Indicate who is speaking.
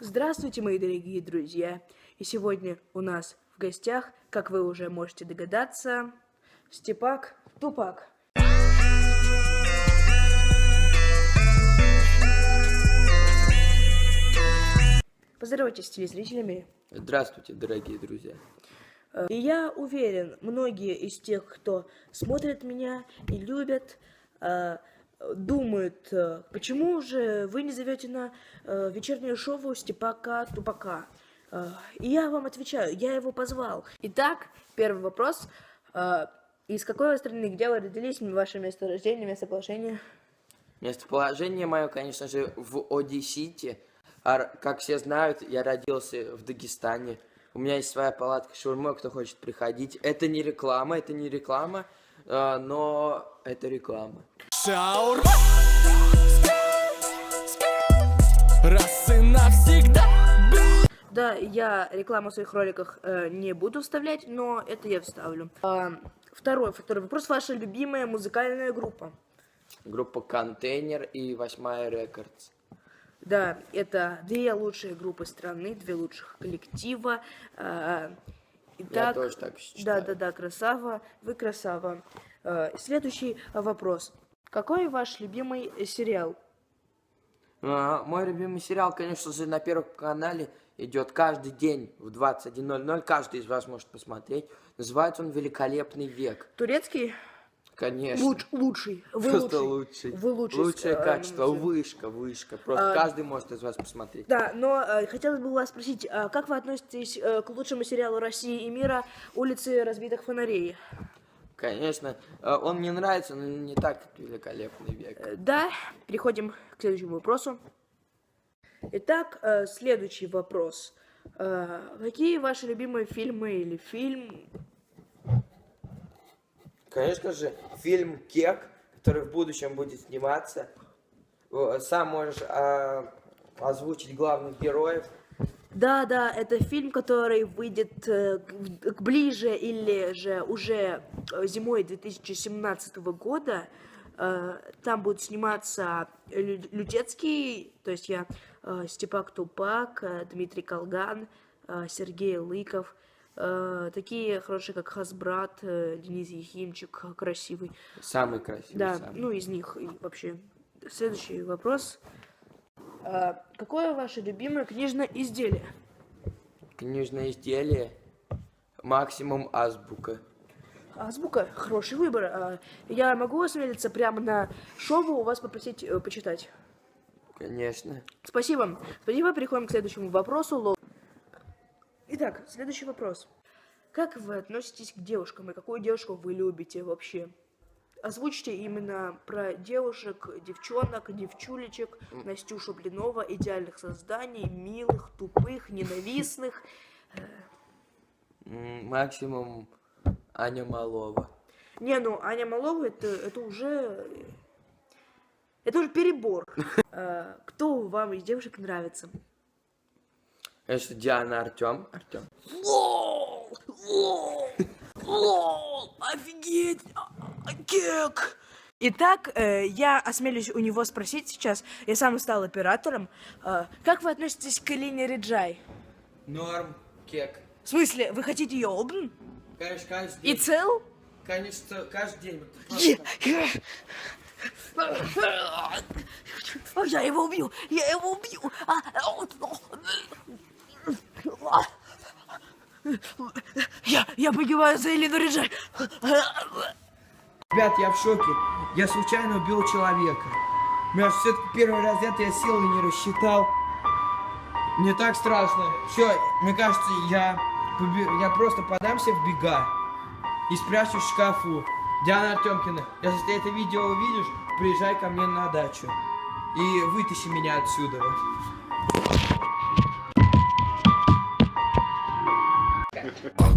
Speaker 1: Здравствуйте, мои дорогие друзья! И сегодня у нас в гостях, как вы уже можете догадаться, Степак Тупак. Поздоровайтесь с телезрителями.
Speaker 2: Здравствуйте, дорогие друзья.
Speaker 1: И я уверен, многие из тех, кто смотрит меня и любят, думают, почему же вы не зовете на вечернее шоу Степака Тупака? И я вам отвечаю, я его позвал. Итак, первый вопрос. Из какой вы страны, где вы родились, ваше место рождения, местоположение?
Speaker 2: Местоположение мое, конечно же, в Одессите. А как все знают, я родился в Дагестане. У меня есть своя палатка шаурмы, кто хочет приходить. Это не реклама, но это реклама.
Speaker 3: Шаурма! Раз и навсегда!
Speaker 1: Да, я рекламу в своих роликах не буду вставлять, но это я вставлю. Второй вопрос. Ваша любимая музыкальная группа?
Speaker 2: Группа «Контейнер» и «Восьмая Рекордс».
Speaker 1: Да, это две лучшие группы страны, две лучших коллектива.
Speaker 2: Я тоже так считаю.
Speaker 1: Да, красава, вы красава. Следующий вопрос. Какой ваш любимый сериал?
Speaker 2: Мой любимый сериал, конечно же, на Первом канале идет каждый день в 21:00. Каждый из вас может посмотреть. Называется он «Великолепный век».
Speaker 1: Турецкий?
Speaker 2: Конечно.
Speaker 1: Лучший. Вы
Speaker 2: Просто
Speaker 1: лучший.
Speaker 2: лучший.
Speaker 1: Вы лучший.
Speaker 2: Лучшее качество, вышка. Просто каждый может из вас посмотреть.
Speaker 1: Да, но хотелось бы вас спросить, как вы относитесь к лучшему сериалу России и мира «Улицы разбитых фонарей»?
Speaker 2: Конечно, он мне нравится, но не так, как «Великолепный век».
Speaker 1: Да, переходим к следующему вопросу. Итак, следующий вопрос. Какие ваши любимые фильмы или фильм?
Speaker 2: Конечно же, фильм «Кек», который в будущем будет сниматься. Сам можешь озвучить главных героев.
Speaker 1: Да, это фильм, который выйдет ближе или же уже зимой 2017 года. Там будут сниматься Лютецкий, то есть я, Степак Тупак, Дмитрий Колган, Сергей Лыков. Такие хорошие, как Хасбрат, Денис Ехимчик, красивый.
Speaker 2: Самый красивый.
Speaker 1: Да,
Speaker 2: самый.
Speaker 1: из них и вообще. Следующий вопрос. Какое ваше любимое книжное изделие?
Speaker 2: Книжное изделие «Максимум Азбука».
Speaker 1: Азбука? Хороший выбор. Я могу осмелиться прямо на шоу у вас попросить почитать?
Speaker 2: Конечно.
Speaker 1: Спасибо. Переходим к следующему вопросу. Итак, следующий вопрос. Как вы относитесь к девушкам и какую девушку вы любите вообще? Озвучьте именно про девушек, девчонок, девчулечек, Настюшу Блинова, идеальных созданий, милых, тупых, ненавистных.
Speaker 2: Максимум Аня Малова.
Speaker 1: Аня Малова это уже перебор. Кто вам из девушек нравится?
Speaker 2: Конечно, Диана Артем.
Speaker 1: Офигеть! Кек! Итак, я осмелюсь у него спросить сейчас, я сам стал оператором, как вы относитесь к Элине Риджай?
Speaker 2: Норм, Кек.
Speaker 1: В смысле, вы хотите ее обн?
Speaker 2: Конечно, каждый
Speaker 1: И
Speaker 2: день.
Speaker 1: цел?
Speaker 2: Конечно, каждый день.
Speaker 1: Я его убью! Я погибаю за Элину Риджай!
Speaker 4: Ребят, я в шоке. Я случайно убил человека. Мне все-таки первый раз я силы не рассчитал. Мне так страшно. Все, мне кажется, я просто подамся в бега и спрячусь в шкафу. Диана Артемкина, если ты это видео увидишь, приезжай ко мне на дачу и вытащи меня отсюда.